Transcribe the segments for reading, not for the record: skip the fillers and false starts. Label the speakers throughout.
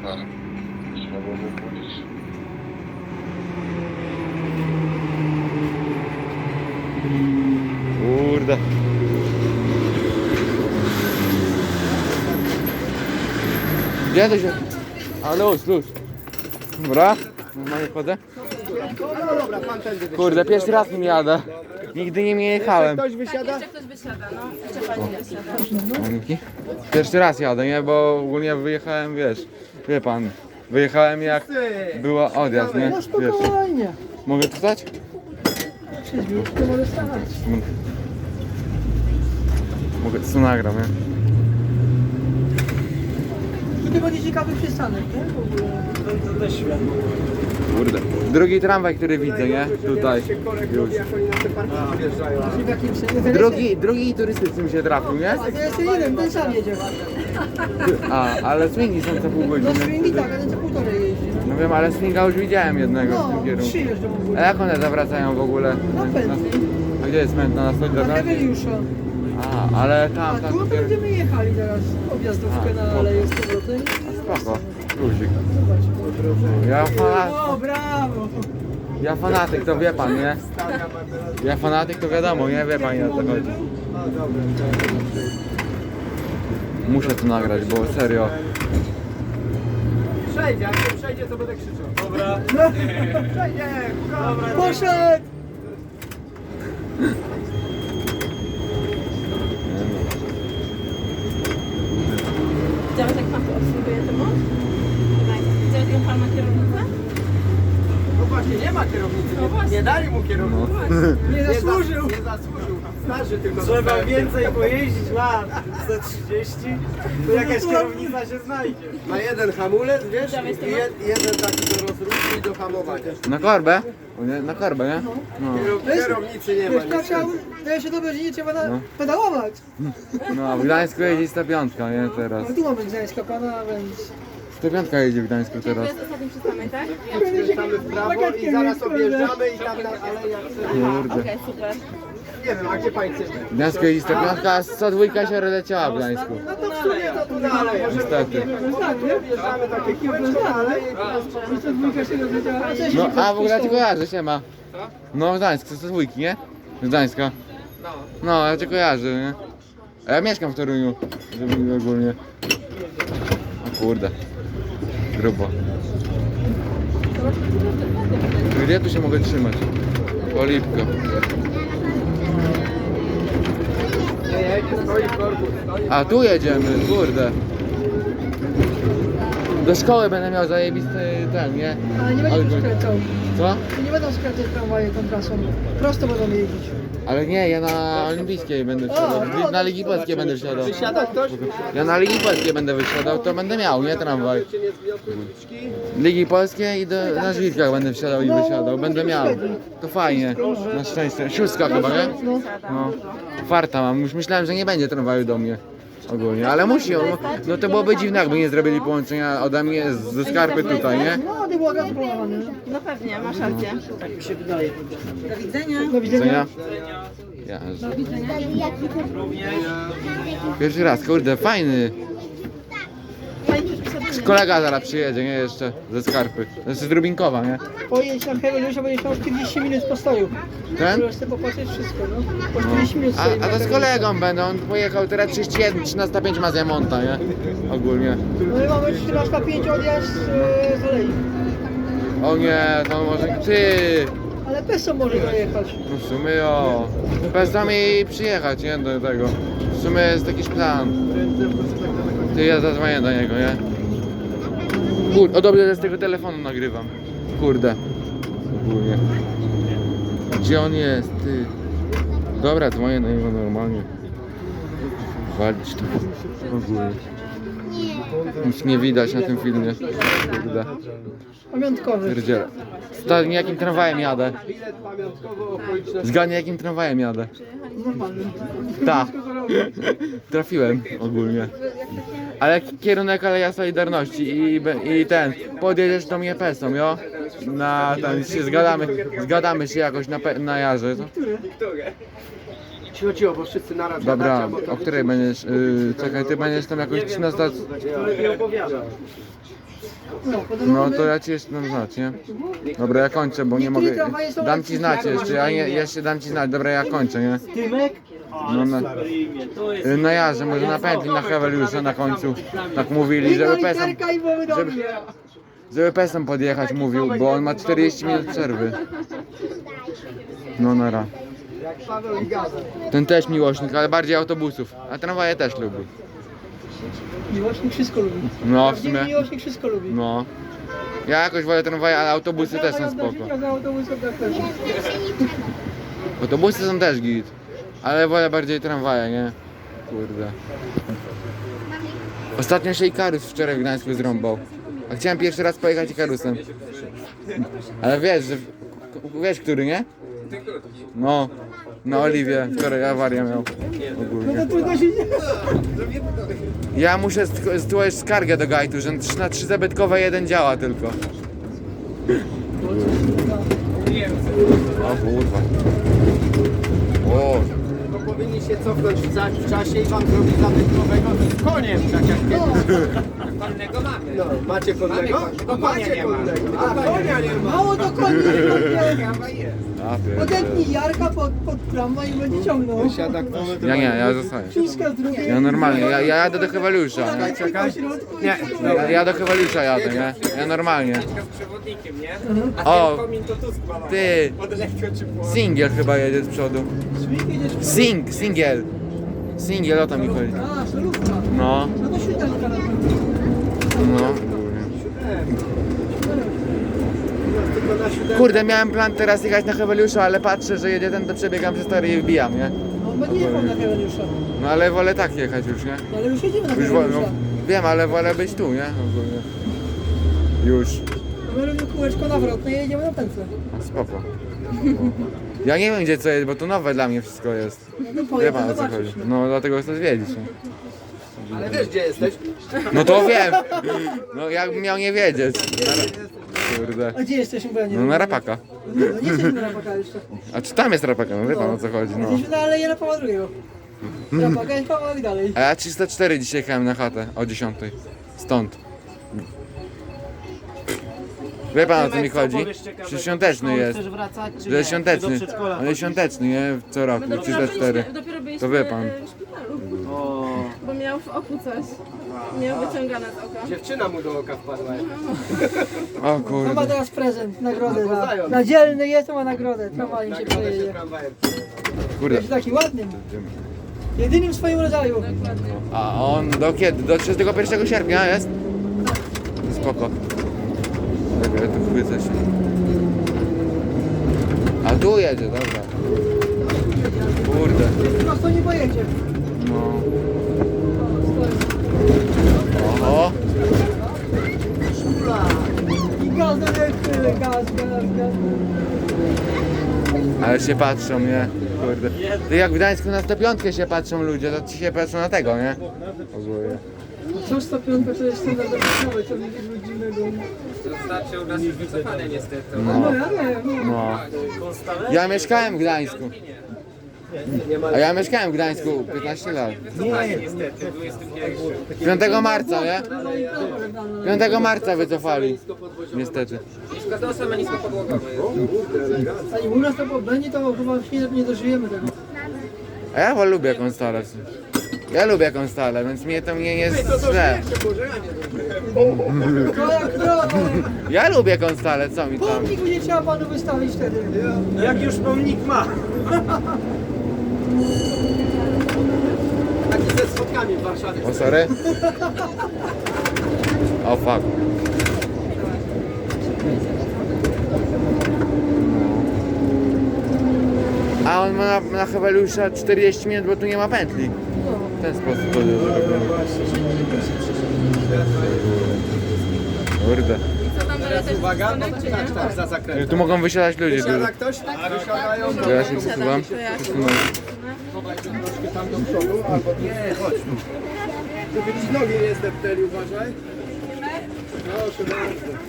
Speaker 1: Ale trzeba było mu budzić.
Speaker 2: Kurde. Gdzie to się... A luz. Dobra, normalnie chodzę. Kurde, pierwszy raz nim jadę. Nigdy nie jechałem.
Speaker 3: Ktoś wysiada?
Speaker 4: Jeszcze ktoś wysiada, no. Jeszcze pani wysiada.
Speaker 2: Malinki? Pierwszy raz jadę, nie? Bo ogólnie wyjechałem, wiesz, wie pan, wyjechałem jak była odjazd, nie?
Speaker 3: No
Speaker 2: Wiesz.
Speaker 3: spokojnie.
Speaker 2: Mogę tu stać?
Speaker 3: To może stać.
Speaker 2: Mogę, tu nagram, nie?
Speaker 3: To będzie ciekawy przystanek, nie? W ogóle. To też światło.
Speaker 2: Kurde. Drugi tramwaj, który widzę, nie? Tutaj. Już.
Speaker 3: Jak oni na te parkingi wjeżdżają. W jakim sensie?
Speaker 2: Drugi turystyczny mi się trafił, nie?
Speaker 3: A to jeszcze jeden, ten sam jedzie.
Speaker 2: Ale swingi są co pół
Speaker 3: No
Speaker 2: godziny.
Speaker 3: swingi tak, ale co półtorej jeździ.
Speaker 2: No wiem, ale swinga już widziałem jednego w tym
Speaker 3: No,
Speaker 2: kierunku.
Speaker 3: 3 jeżdżą w
Speaker 2: A
Speaker 3: ogóle.
Speaker 2: jak one zawracają w ogóle?
Speaker 3: Na pętli.
Speaker 2: A gdzie jest mętna? Na stoi
Speaker 3: Na
Speaker 2: droga?
Speaker 3: Heweliusza.
Speaker 2: Ale tam,
Speaker 3: A
Speaker 2: tam.
Speaker 3: tu będziemy jechali teraz. Objazdówkę na Aleję z powrotem.
Speaker 2: Spoko. Luzik.
Speaker 3: Zobacz. O, brawo.
Speaker 2: Ja fanatyk, to wie pan, nie? Ja fanatyk, to wiadomo, nie? Wie pan, jak to chodzi. Muszę to nagrać, bo serio.
Speaker 3: Przejdzie, jak nie przejdzie, to będę krzyczał. Dobra. Przejdzie. Dobra. Poszedł.
Speaker 4: Widziałeś, jak pan tu obsługuje temu? Widziałeś, jak pan ma kierownicę?
Speaker 3: No właśnie, nie ma kierownicy.
Speaker 4: No właśnie.
Speaker 3: Nie dali mu kierownicy. Nie zasłużył. Nie zasłużył. Starszy tylko.
Speaker 5: Trzeba więcej pojeździć lat, za 30, to jakaś kierownica się znajdzie.
Speaker 3: Ma jeden hamulec, wiesz,
Speaker 4: Widziałeś to?
Speaker 3: i jeden taki do rozruchu i do hamowania.
Speaker 2: Na korbę? O nie, na korbę, nie? No.
Speaker 3: Kierownicy nie ma.
Speaker 6: Wiesz, tak chciał, daje się dobrze, że nie trzeba
Speaker 2: No.
Speaker 6: pedałować.
Speaker 2: No, a w Gdańsku jeździ 105, nie? Teraz.
Speaker 6: Ale tu mamy Gdańska pana, więc...
Speaker 2: 105 jeździ w Gdańsku
Speaker 4: To
Speaker 2: teraz.
Speaker 4: jest ostatni przystanek, tak?
Speaker 3: Skręcamy w prawo i zaraz objeżdżamy i tam na aleja.
Speaker 2: Kurde.
Speaker 4: Okej, super.
Speaker 3: Nie wiem, a gdzie pani chce?
Speaker 2: W Gdańsku jeździ 105, a 102 się leciała w Gdańsku.
Speaker 3: No to w sumie to tu dalej.
Speaker 2: Niestety.
Speaker 3: Objeżdżamy takie kółeczko na aleję i teraz
Speaker 6: To dwójka się rozwiedziała. A co się
Speaker 2: No, a w ogóle cię kojarzę, siema. No, w Gdańsku, to 102, nie? Z Gdańska. No, ja cię kojarzę, nie? A ja mieszkam w Toruniu, żeby ogólnie. O kurde. Grubo. Gdzie tu się mogę trzymać? Polipko. A tu jedziemy, kurde. Do szkoły będę miał zajebisty ten, nie?
Speaker 6: Ale nie będzie tu
Speaker 2: Albo-
Speaker 6: skręcał.
Speaker 2: Co?
Speaker 6: Nie będą skręcać tramwaje tą trasą. Prosto będą jeździć.
Speaker 2: Ale nie, ja na olimpijskiej będę wsiadał. Na Ligi Polskiej będę wsiadał.
Speaker 3: Siada ktoś?
Speaker 2: Ja na Ligi Polskiej będę wysiadał, to będę miał, nie tramwaj.
Speaker 3: Cię nie zbiją krótki.
Speaker 2: Ligi Polskiej i na żwirkach będę wsiadał i wysiadał. Będę miał. To fajnie. Na szczęście. Szóstka chyba, nie? No. Farta mam. Już myślałem, że nie będzie tramwaju do mnie. Ogólnie, ale musi. No to byłoby dziwne, jakby nie zrobili połączenia ode mnie ze Skarpy tutaj, nie?
Speaker 6: No, nie było razu połamane.
Speaker 4: No pewnie, masz rację.
Speaker 5: Tak mi się wydaje.
Speaker 6: Do
Speaker 2: Widzenia?
Speaker 6: widzenia.
Speaker 2: Ja. Pierwszy raz, kurde, fajny. Kolega zaraz przyjedzie, nie? Jeszcze ze Skarpy. Znaczy z Rubinkowa, nie?
Speaker 6: Pojedź na Heweliusza, będziesz miał 40 minut postoju.
Speaker 2: Ten?
Speaker 6: Możesz sobie popatrzeć wszystko, no. Po 40 minut
Speaker 2: A
Speaker 6: stoi.
Speaker 2: to z kolegą będę, on pojechał teraz 31, 13:05 ma z Jamonta, nie? Ogólnie.
Speaker 6: No i mamy 13:05 odjazd z Alei.
Speaker 2: O nie, to może ty!
Speaker 6: Ale Peso może dojechać.
Speaker 2: No w sumie o. Bez nami przyjechać, nie? Do tego. W sumie jest jakiś plan. Ty, ja zadzwonię do niego, nie? Kurde, o dobrze, że z tego telefonu nagrywam. Kurde. Ogólnie. Gdzie on jest, ty? Dobra, dzwonię do niego normalnie. Walić to. Ogólnie. Nic nie widać na tym filmie. Kurde.
Speaker 6: Pamiątkowy.
Speaker 2: Pierdziele. Stary, jakim tramwajem jadę?
Speaker 3: Bilet pamiątkowy okoliczny.
Speaker 2: Zgadnij, jakim tramwajem jadę. Tak. Trafiłem ogólnie. Ale kierunek Aleja Solidarności i ten. Podjedziesz do mnie pesą, jo? Na ten się zgadamy się jakoś na jarze. Co?
Speaker 5: Cicho, bo wszyscy naraz
Speaker 2: Dobra,
Speaker 5: gadacie, bo to
Speaker 2: o której będziesz, czekaj, ty będziesz tam jakoś 13...
Speaker 5: nie opowiada.
Speaker 6: No, potem
Speaker 2: No
Speaker 6: mamy-
Speaker 2: to ja ci jeszcze dam znać, nie? Dobra, ja kończę, bo nie mogę... Dam ci znać jeszcze, ja jeszcze dam ci znać, dobra, ja kończę, nie?
Speaker 5: Tymek?
Speaker 2: No, no ja, że może na pętli na Heweliusza na końcu, tak mówili, żeby pesem,
Speaker 6: literka i mamy do
Speaker 2: żeby-
Speaker 6: mnie.
Speaker 2: żeby pesem podjechać, mówił, bo on ma 40 minut przerwy. No nara.
Speaker 6: Jak Paweł i Gaza.
Speaker 2: Ten też miłośnik, ale bardziej autobusów, a tramwaje też lubi.
Speaker 6: Miłośnik wszystko lubi.
Speaker 2: No w
Speaker 6: Prawdziwy
Speaker 2: sumie,
Speaker 6: miłośnik wszystko lubi.
Speaker 2: no. Ja jakoś wolę tramwaje, ale autobusy też są spoko.
Speaker 6: Za autobusem tak też.
Speaker 2: Autobusy są też git, ale wolę bardziej tramwaje, nie? Kurde. Ostatnio się Ikarus wczoraj w Gdańsku zrąbał. A chciałem pierwszy raz pojechać Ikarusem. Ale wiesz, że... Wiesz, który, nie? No. Na Oliwie. Wczoraj awarię miał. Ogólnie.
Speaker 6: Trudno się nie...
Speaker 2: Ja muszę złożyć skargę do Gajtu, że na 3 zabytkowe 1 działa tylko. O kurwa. O.
Speaker 5: To powinni się cofnąć w czasie i wam zrobić zabytkowego z koniem, tak jak kiedyś.
Speaker 3: Konnego mamy.
Speaker 5: No, macie konnego?
Speaker 3: No konia nie ma.
Speaker 5: A konia nie ma.
Speaker 6: Mało do koni.
Speaker 2: A, pierdolę.
Speaker 6: Podepnij Jarka pod tramwaj i będzie ciągnął.
Speaker 5: Siada kto?
Speaker 2: Ja nie, ja zostaję.
Speaker 6: Śliska z drugiej.
Speaker 2: Ja normalnie, ja jadę do Heweliusza.
Speaker 6: Czekaj. Środku
Speaker 5: Nie.
Speaker 2: Ja do Heweliusza jadę, nie? Ja normalnie.
Speaker 3: Z przewodnikiem, nie? A
Speaker 2: O,
Speaker 3: ten komin to tu składał.
Speaker 2: ty,
Speaker 3: Odleciał ci po...
Speaker 2: singiel chyba jedzie z przodu. Singiel. Singiel, o to mi chodzi.
Speaker 6: A, solówka.
Speaker 2: No,
Speaker 6: No to siódemka na pewno.
Speaker 2: no.
Speaker 5: Tylko na siódemkę.
Speaker 2: Kurde, miałem plan teraz jechać na Heweliusza, ale patrzę, że jedzie ten, to przebiegam przez tory i wbijam, nie?
Speaker 6: No bo nie jechał na Heweliusza.
Speaker 2: No ale wolę tak jechać już, nie?
Speaker 6: No, ale już jedziemy na
Speaker 2: Już wolno.
Speaker 6: Heweliusza.
Speaker 2: Wiem, ale wolę być tu, nie? Ogólnie. Już.
Speaker 6: My robimy kółeczko nawrotne i jedziemy na pętlę.
Speaker 2: Spoko. Ja nie wiem gdzie co jest, bo to nowe dla mnie wszystko jest.
Speaker 6: No to
Speaker 2: Wie
Speaker 6: pojedź,
Speaker 2: pan o co
Speaker 6: zobaczysz.
Speaker 2: chodzi. No dlatego chcę zwiedzić. Nie?
Speaker 5: Ale wiesz gdzie jesteś?
Speaker 2: No to wiem! No jakbym miał nie wiedzieć. Kurde.
Speaker 6: A gdzie jesteśmy, bo ja nie
Speaker 2: No
Speaker 6: wiem.
Speaker 2: na Rapaka.
Speaker 6: No nie jesteśmy na Rapaka jeszcze.
Speaker 2: A czy tam jest Rapaka? No wie pan o co chodzi, no.
Speaker 6: Jesteśmy na Aleje na Pawła II. Rapaka jest kawałek dalej.
Speaker 2: A ja 304 dzisiaj jechałem na chatę o 10. Stąd. Wie pan o co mi chodzi? Przecież świąteczny jest.
Speaker 5: Chcesz wracać czy
Speaker 2: Że jest świąteczny.
Speaker 5: Do przedszkola
Speaker 2: On jest świąteczny, nie? Co roku,
Speaker 4: My dopiero
Speaker 2: 304.
Speaker 4: byliśmy, dopiero byliśmy
Speaker 2: To wie pan.
Speaker 4: w szpitalu,
Speaker 5: O,
Speaker 4: bo miał w oku coś. Miał wyciągane z oka.
Speaker 5: dziewczyna mu do oka wpadła.
Speaker 2: O
Speaker 6: To ma
Speaker 2: kurde.
Speaker 6: teraz prezent, nagrodę.
Speaker 5: No, poznają.
Speaker 6: Na dzielny jest, to ma nagrodę. Tramwajem się
Speaker 5: Nagrodę się
Speaker 6: przejedzie.
Speaker 5: tramwajem.
Speaker 2: Kurde.
Speaker 6: Jest taki ładnym. Jedynym w swoim rodzaju.
Speaker 4: Dokładnie.
Speaker 2: A on do kiedy? Do 31 sierpnia jest? Spoko. Dobra, ja tu chwycę się. A tu jedzie, dobra. Kurde.
Speaker 6: Prosto nie pojedzie.
Speaker 2: No. Oho.
Speaker 6: I gaz, gaz.
Speaker 2: Ale się patrzą, nie? Kurde. To jak w Gdańsku na 105 się patrzą ludzie, to ci się patrzą na tego, nie? Ogólnie.
Speaker 6: Co 105 to jest standardowy, co nie jest dziwnego.
Speaker 3: To znaczy u nas już wycofane niestety.
Speaker 6: No ja wiem.
Speaker 2: No. Ja mieszkałem w Gdańsku. A ja mieszkałem w Gdańsku 15 lat.
Speaker 3: Wycofane niestety, 21.
Speaker 2: 5 marca, nie? 5 marca wycofali. Niestety.
Speaker 3: Składał nisko podłogowy.
Speaker 6: A u nas to będzie, to chyba nie dożyjemy tego.
Speaker 2: A ja lubię Konstalę. Ja lubię Konstalę, więc mnie to nie jest źle.
Speaker 6: To jak krowa.
Speaker 2: Ja lubię Konstalę, co mi tam?
Speaker 6: Pomnik będzie trzeba panu wystawić wtedy.
Speaker 5: Jak już pomnik ma. Taki ze schodkami w Warszawie.
Speaker 2: O, sorry? O, fuck. A on ma na Heweliusza 40 minut, bo tu nie ma pętli. W ten sposób to jest zrobione. Kurde.
Speaker 4: I co tam dalej też
Speaker 5: Uwaga,
Speaker 4: przystanek, czy nie?
Speaker 5: tak, za zakręt.
Speaker 2: Tu mogą wysiadać ludzie.
Speaker 5: Siada
Speaker 2: dużo.
Speaker 5: ktoś? Wysiadają.
Speaker 2: To ja się przesuwam.
Speaker 4: To ja się
Speaker 2: Przesunąłem.
Speaker 5: Troszkę tam do przodu, albo nie, chodź. Żeby ci nogi nie zdepteli, uważaj. Proszę bardzo.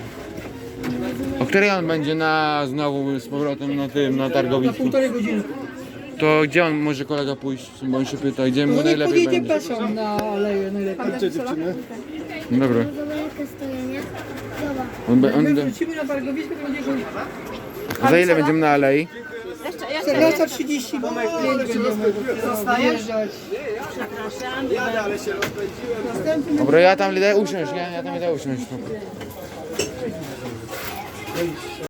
Speaker 2: O której on będzie znowu z powrotem na tym, na
Speaker 6: Na
Speaker 2: targowisku?
Speaker 6: 1,5 godziny.
Speaker 2: To gdzie on może kolega pójść? Bo on się pyta, gdzie mu
Speaker 6: No niech
Speaker 2: najlepiej
Speaker 6: podjedzie
Speaker 2: będzie.
Speaker 6: pesą na aleję najlepiej.
Speaker 5: Gdzie dziewczyny?
Speaker 2: Dobra.
Speaker 7: Zobaczcie, stoję, nie? Zobacz.
Speaker 2: On,
Speaker 6: My wrócimy na targowisko, to będzie
Speaker 2: za ile będziemy na alei?
Speaker 6: Lata 30, bo będziemy wyjeżdżać.
Speaker 4: Przepraszam.
Speaker 5: Jadę, ale się rozpędziłem.
Speaker 2: Dobra, ja tam idę usiąść, nie? Ja tam idę usiąść.